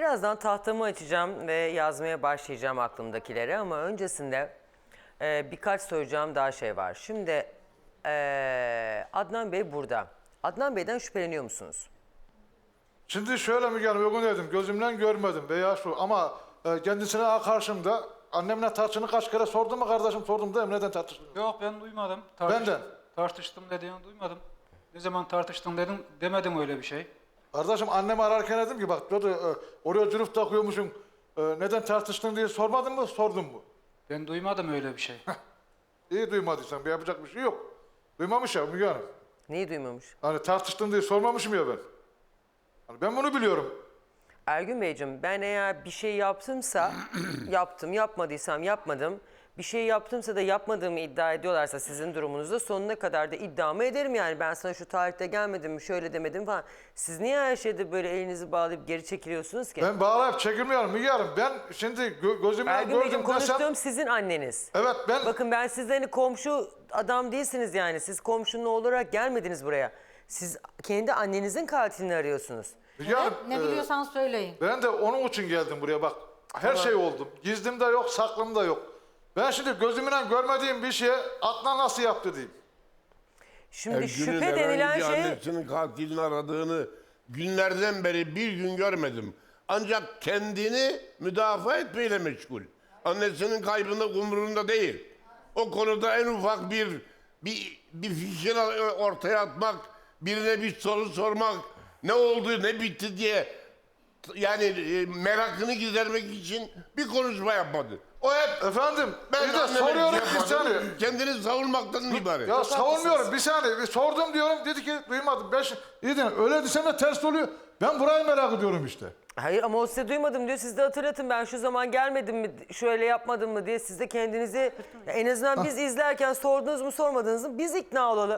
Birazdan tahtamı açacağım ve yazmaya başlayacağım aklımdakileri ama öncesinde birkaç soracağım daha şey var. Şimdi Adnan Bey burada. Adnan Bey'den şüpheleniyor musunuz? Şimdi şöyle Müge Hanım, o gün dedim gözümden görmedim veya şu ama kendisine karşımda annemle tartışını kaç kere sordum mu kardeşim, sordum da neden tartıştın? Yok ben duymadım. Benden. Tartıştım dediğini duymadım. Ne zaman tartıştın dedim demedim öyle bir şey. Kardeşim annemi ararken dedim ki bak dedi, oraya cürüf takıyormuşsun, neden tartıştın diye sormadın mı, sordun mu? Ben duymadım öyle bir şey. İyi duymadıysan bir yapacak bir şey yok. Duymamış ya Müge Hanım. Neyi duymamış? Hani tartıştın diye sormamışım ya ben. Hani ben bunu biliyorum. Ergün Beyciğim, ben eğer bir şey yaptımsa yaptım, yapmadıysam yapmadım. Bir şey yaptımsa da yapmadığımı iddia ediyorlarsa sizin durumunuzda sonuna kadar da iddiamı ederim yani. Ben sana şu tarihte gelmedim mi, şöyle demedim falan. Siz niye her şeyde böyle elinizi bağlayıp geri çekiliyorsunuz ki? Ben bağlayıp çekilmiyorum Müge Hanım. Ben şimdi gözümle Ergün Beyciğim, gördüm desem... konuştuğum sizin anneniz. Evet ben... Bakın ben sizlerin komşu adam değilsiniz yani. Siz komşunun oğlu olarak gelmediniz buraya. Siz kendi annenizin katilini arıyorsunuz. Müge Hanım, Ne biliyorsan söyleyin. ben de onun için geldim buraya bak. Her şey oldu. Gizlim de yok, saklım da yok. Ben şimdi gözümle görmediğim bir şeye Adnan nasıl yaptı diyeyim. Şimdi Ergün'ün şüphe denilen herhangi bir şey... annesinin katilini aradığını günlerden beri bir gün görmedim. Ancak kendini müdafaa etmeyle meşgul. Annesinin kaybında umurunda değil. O konuda en ufak bir fikir ortaya atmak, birine bir soru sormak, ne oldu ne bitti diye yani merakını gidermek için bir konuşma yapmadı. O hep Efendim, ben bir de anneme soruyorum şey bir yapmadım, saniye. kendini savunmaktan ibaret. Ya savunmuyorum bir saniye. Bir sordum diyorum, dedi ki duymadım. İyi de öyle desem de ters oluyor. Ben burayı merak ediyorum işte. Hayır ama o size duymadım diyor. Siz de hatırlatın, ben şu zaman gelmedim mi, şöyle yapmadım mı diye siz de kendinizi en azından biz izlerken sordunuz mu sormadınız mı biz ikna olalım.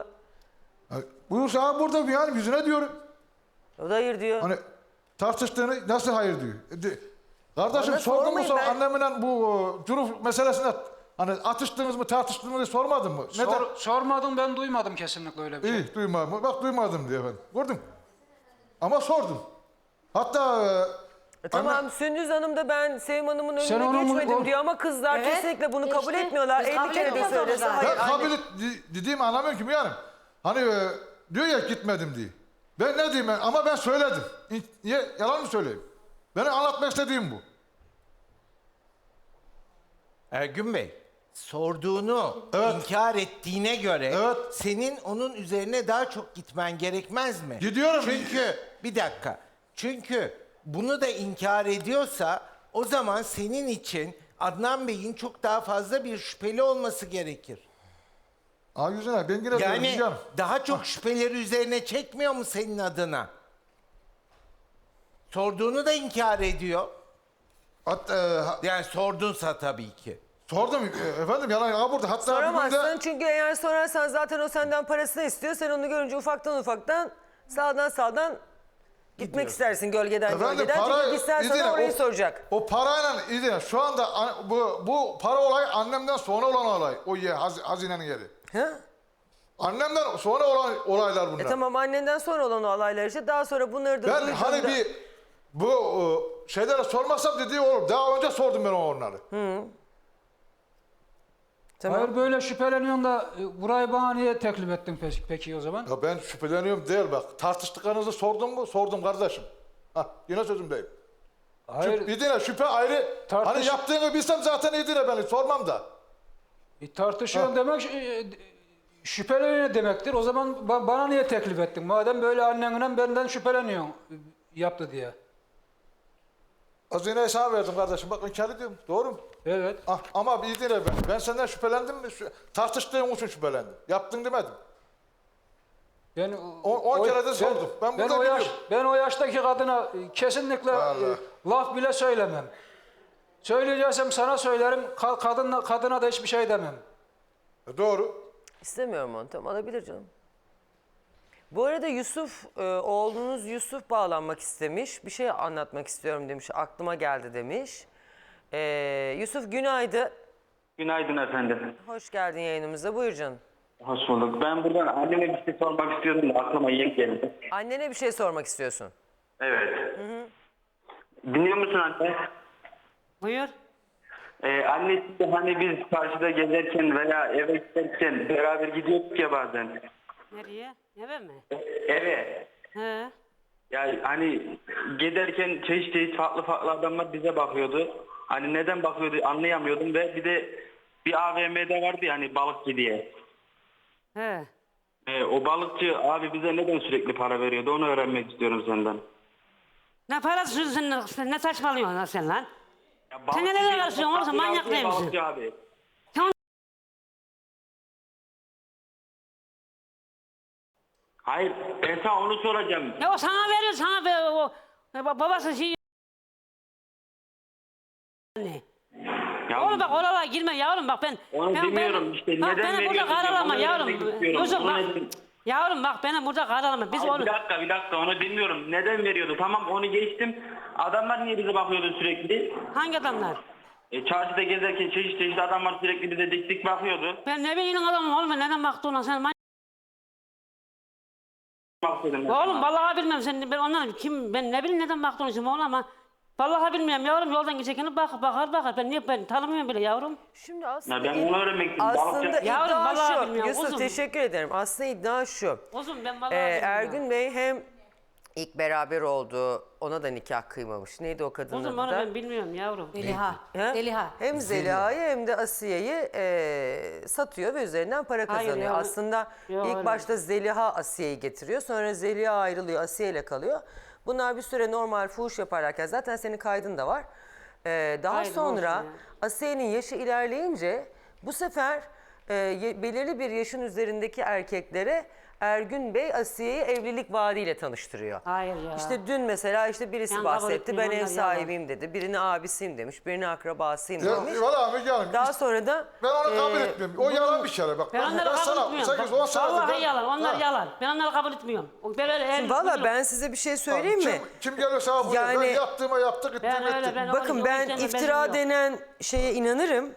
Buyursa abi burada yani yüzüne diyorum. O da hayır diyor. Hani tartıştığını nasıl hayır diyor. Kardeşim Bana sordun mu sormayın sonra ben. annemle bu cüruf meselesinde hani atıştınız mı tartıştınız mı diye sormadın mı? Neden? Sormadım ben duymadım kesinlikle öyle bir şey. İyi duymadım. Bak duymadım diyor efendim. Gördün. Ama sordum. Hatta Tamam Sündüz Hanım da ben Sevim Hanım'ın Sen önüne onun- geçmedim o- diyor ama kızlar Evet, kesinlikle bunu kabul işte, etmiyorlar. biz 50 kabul kere de etmiyoruz söylese zaten. hayır. ben anne. kabul dediğimi anlamıyorum ki yani. Hani diyor ya gitmedim diye. Ben ne diyeyim ama ben söyledim. Niye yalan mı söyleyeyim? Benim anlatmak istediğim bu. Ergün Bey, sorduğunu Evet. inkar ettiğine göre Evet. senin onun üzerine daha çok gitmen gerekmez mi? Gidiyorum. Çünkü bir dakika. Çünkü bunu da inkar ediyorsa o zaman senin için Adnan Bey'in çok daha fazla bir şüpheli olması gerekir. Aa yüzüne ben yine diyorum, Yani diyeceğim. daha çok şüpheleri üzerine çekmiyor mu senin adına? Sorduğunu da inkar ediyor. Yani sordunsa tabii ki. Sordum efendim yalan burada hatta bir Soramazsın günde çünkü eğer sorarsan zaten o senden parasını istiyor. Sen onu görünce ufaktan sağdan gitmek istersin gölgeden efendim gölgeden. para Çünkü gitsen sana orayı soracak. O parayla İdine şu anda bu para olayı annemden sonra olan olay. O hazinenin yeri. Ha? Annemden sonra olan olaylar bunlar. Tamam annenden sonra olan o olaylar işte daha sonra bunları da Ben duyduğunda... hani bu şeylere sormasam dediği olur. Daha önce sordum ben onları. Tamam. Hayır böyle şüpheleniyorsun da burayı bana niye teklif ettin peki o zaman? Ya ben şüpheleniyorum değil bak. Tartıştıklarınızı sordum mu? Sordum kardeşim. Hah yine sözümdeyim. Hayır İdine şüphe ayrı. Hani yaptığını bilsem zaten İdine beni sormam da. tartışıyorsun demek şüpheleniyor demektir. O zaman bana niye teklif ettin? Madem böyle annenle benden şüpheleniyorsun yaptı diye. Hazineyi sana verdim kardeşim. Bak inkar ediyorum. Doğru mu? Evet. Ah, ama bir İdine ben. Ben senden şüphelendim mi? Tartıştığım için şüphelendim. Yaptın demedim. Ben 10 kere de sordum. Ben burada biliyorum. Ben o yaştaki kadına kesinlikle Vallahi. laf bile söylemem. Söyleyeceksem sana söylerim. Kadına da hiçbir şey demem. Doğru. İstemiyorum onu. Tamam alabilir canım. Bu arada Yusuf, oğlunuz Yusuf bağlanmak istemiş. Bir şey anlatmak istiyorum demiş. Aklıma geldi demiş. Yusuf günaydın. Günaydın efendim. Hoş geldin yayınımıza. Buyur canım. Hoş bulduk. Ben buradan anneme bir şey sormak istiyordum da aklıma yeni geldi. Annene bir şey sormak istiyorsun. Evet. Dinliyor musun anne? Buyur. Annesi de hani biz karşıda gezerken veya eve giderken beraber gidiyorduk ya bazen. Nereye? Eve mi? Eve. He. Yani hani giderken çeşit farklı adamlar bize bakıyordu. Hani neden bakıyordu anlayamıyordum ve bir de bir AVM'de vardı ya hani balıkçı diye. He. O balıkçı abi bize neden sürekli para veriyordu onu öğrenmek istiyorum senden. Ne parası sen ne saçmalıyorsun lan sen lan? Ya Sen balıkçı neler değil, karışıyorsun oğlum, sen balıkçı manyak değil misin? balıkçı abi. Sen Hayır ben sana onu soracağım. ya o sana veriyor, sana ver, babası şey. Ne? Ya, Oğlum bak oralara girme yavrum, bak ben. Onu bilmiyorum işte, bak, neden beni burada veriyorsun? karalama Onu yavrum. öğrenmek istiyorum. Yusuf Onu bak. neden- Yavrum bak beni burada karalama. Biz Abi, onu. bir dakika onu bilmiyorum. Neden veriyordu? Tamam onu geçtim. Adamlar niye bize bakıyordu sürekli? Hangi adamlar? Çarşıda gezerken çeşit adamlar sürekli bize dik dik bakıyordu. Ben ne bileyim adamım oğlum, ben neden baktığına sen Bakıyordum ben Oğlum sana. vallahi bilmem sen, ben ondan kim, ben ne bileyim neden baktığını şimdi oğlum, ama vallahi bilmiyorum yavrum, yoldan geçerken bakar ben tanımıyorum bile yavrum. Şimdi aslında, Ya ben onu öğrenmek istedim. aslında Balıkçı- Yavrum, iddia vallahi şu. bilmiyorum, Yusuf uzun. teşekkür ederim. Aslında iddia şu. Uzun ben vallahi bilmiyorum. Ergün Bey hem ilk beraber oldu, ona da nikah kıymamış. Neydi o kadının Uzun adı onu da? ben bilmiyorum yavrum. Zeliha. Ha? Zeliha. Hem Zeliha'yı hem de Asiye'yi satıyor ve üzerinden para Hayır kazanıyor. ya, Aslında yok, ilk öyle. başta Zeliha Asiye'yi getiriyor. Sonra Zeliha ayrılıyor, Asiye ile kalıyor. Bunlar bir süre normal fuhuş yaparlarken zaten senin kaydın da var. Daha Kaydım sonra olsun ya. Asiye'nin yaşı ilerleyince bu sefer belirli bir yaşın üzerindeki erkeklere Ergün Bey Asiye'yi evlilik vaadiyle tanıştırıyor. Hayır ya. İşte dün mesela birisi Ben kabul bahsetti. Ben etmiyorum, ev onlar yalan. sahibiyim dedi. Birini abisiyim demiş. Birini akrabasıyım Ya, demiş. valla Müge Hanım, Daha sonra da ben onu kabul etmiyorum. O yalan bir kere bak. Ben onları kabul sana etmiyorum. 8-10 senedir Vallahi yalan, onlar Ha. yalan. Ben onları kabul etmiyorum. Ben öyle valla ben size bir şey söyleyeyim mi? Kim gelirse abi Yani- ben yaptığıma yaptık ettim Ben öyle, ettim. ben Bakın o ben işlerine iftira bilmiyorum. denen şeye inanırım.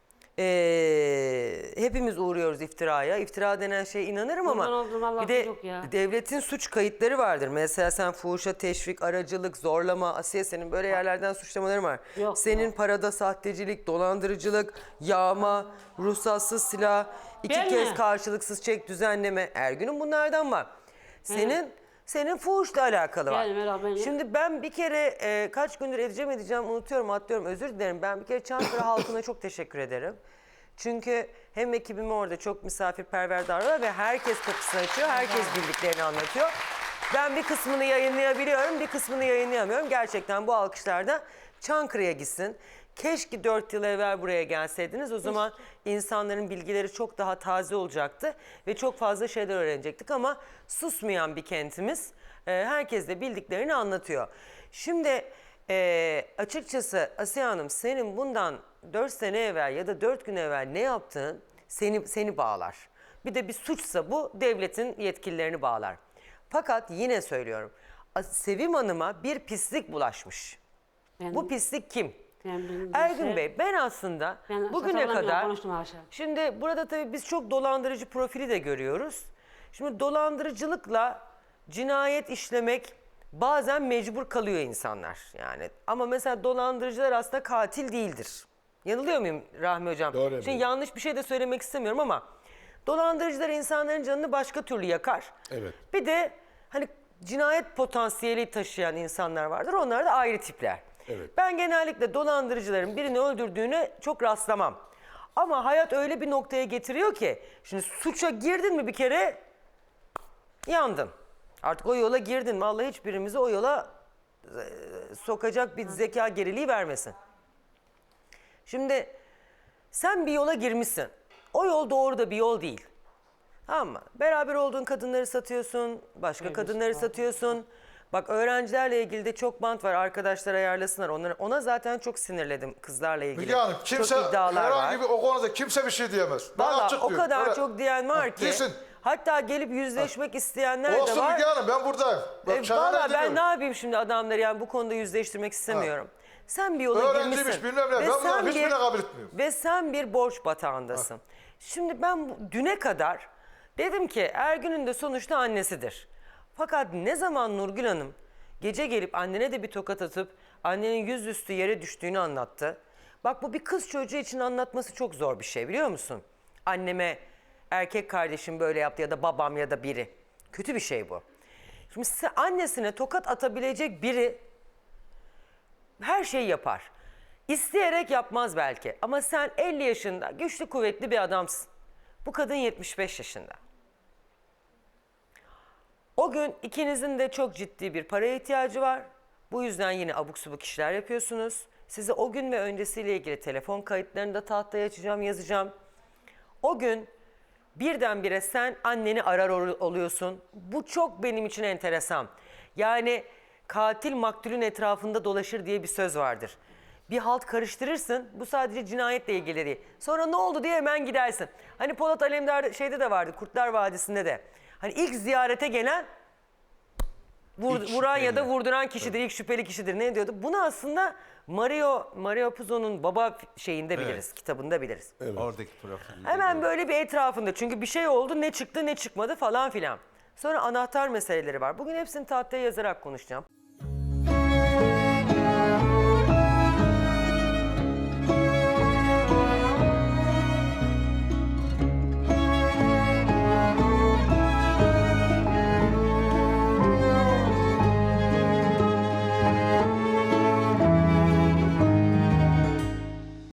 Hepimiz uğruyoruz iftiraya. İftira denen şeye inanırım ama Kurban olduğum Allah bir de yok ya. devletin suç kayıtları vardır. Mesela sen fuhuşa teşvik, aracılık, zorlama, Asiye senin böyle yerlerden suçlamaların var. Yok Senin ya. parada sahtecilik, dolandırıcılık, yağma, ruhsatsız silah, iki Ben kez mi? karşılıksız çek düzenleme. Ergün'ün bunlardan var. Senin fuhuşla alakalı var. Yani Meral, ben- Şimdi ben bir kere kaç gündür edeceğim unutuyorum, atlıyorum, özür dilerim. Ben bir kere Çankırı halkına çok teşekkür ederim. Çünkü hem ekibim orada çok misafirperver davranıyor ve herkes kapısını açıyor, herkes bildiklerini anlatıyor. Ben bir kısmını yayınlayabiliyorum, bir kısmını yayınlayamıyorum. Gerçekten bu alkışlarda Çankırı'ya gitsin. Keşke 4 yıl evvel buraya gelseydiniz. O zaman insanların bilgileri çok daha taze olacaktı ve çok fazla şeyler öğrenecektik ama susmayan bir kentimiz. Herkes de bildiklerini anlatıyor. Şimdi açıkçası Asiye Hanım, senin bundan 4 sene evvel ya da 4 gün evvel ne yaptığın seni bağlar. Bir de bir suçsa bu devletin yetkililerini bağlar. Fakat yine söylüyorum, Sevim Hanım'a bir pislik bulaşmış. Ben- Bu pislik kim? Ben bilmiyorum. Ergün Bey, ben aslında Ben bugüne saçmalamıyorum, kadar, konuştum haşa. şimdi burada tabii biz çok dolandırıcı profili de görüyoruz. Şimdi dolandırıcılıkla cinayet işlemek bazen mecbur kalıyor insanlar yani. Ama mesela dolandırıcılar aslında katil değildir. Yanılıyor muyum Rahmi Hocam? Doğru Şimdi efendim. yanlış bir şey de söylemek istemiyorum ama dolandırıcılar insanların canını başka türlü yakar. Evet. Bir de hani cinayet potansiyeli taşıyan insanlar vardır. Onlar da ayrı tipler. Evet. Ben genellikle dolandırıcıların birini öldürdüğüne çok rastlamam. Ama hayat öyle bir noktaya getiriyor ki şimdi suça girdin mi bir kere yandın. Artık o yola girdin mi Allah hiçbirimizi o yola sokacak bir zeka geriliği vermesin. Şimdi sen bir yola girmişsin. O yol doğru da bir yol değil. Tamam mı? Beraber olduğun kadınları satıyorsun, başka kadınları satıyorsun. Bak öğrencilerle ilgili de çok bant var. Arkadaşlar ayarlasınlar. Ona zaten çok sinirledim kızlarla ilgili. Müge Hanım kimse çok iddialar var. herhangi bir o konuda kimse bir şey diyemez. Ben Valla açık o diyorum. kadar Öyle- çok diyen var ki. Desin. Hatta gelip yüzleşmek isteyenler de Olsun var. Müge Hanım ben buradayım. Bak, şahane Valla ben demiyorum. ne yapayım şimdi adamları yani bu konuda yüzleştirmek istemiyorum. Sen bir yola Öğrenciymiş, girmişsin. bilmem ne. Ve Ben bunların sen hiçbirini kabul etmiyorum. Ve sen bir borç batağındasın. Şimdi ben düne kadar dedim ki Ergün'ün de sonuçta annesidir. Fakat ne zaman Nurgül Hanım gece gelip annene de bir tokat atıp Annenin yüzüstü yere düştüğünü anlattı. Bak bu bir kız çocuğu için anlatması çok zor bir şey biliyor musun? Anneme erkek kardeşim böyle yaptı ya da babam ya da biri. Kötü bir şey bu. Şimdi annesine tokat atabilecek biri her şeyi yapar. İsteyerek yapmaz belki ama sen 50 yaşında güçlü kuvvetli bir adamsın. Bu kadın 75 yaşında. O gün ikinizin de çok ciddi bir paraya ihtiyacı var. Bu yüzden yine abuk subuk işler yapıyorsunuz. Size o gün ve öncesiyle ilgili telefon kayıtlarını da tahtaya açacağım, yazacağım. O gün birdenbire sen anneni arar oluyorsun. Bu çok benim için enteresan. Yani katil maktulün etrafında dolaşır diye bir söz vardır. Bir halt karıştırırsın. Bu sadece cinayetle ilgili değil. Sonra ne oldu diye hemen gidersin. Hani Polat Alemdar şeyde de vardı, Kurtlar Vadisi'nde de. Hani ilk ziyarete gelen vuran ya da vurduran kişidir, ilk şüpheli kişidir. Ne diyordu? Bunu aslında Mario Puzo'nun baba şeyinde biliriz, kitabında biliriz. Oradaki profil. Hemen böyle bir etrafında. Çünkü bir şey oldu, ne çıktı ne çıkmadı falan filan. Sonra anahtar meseleleri var. Bugün hepsini tahtaya yazarak konuşacağım.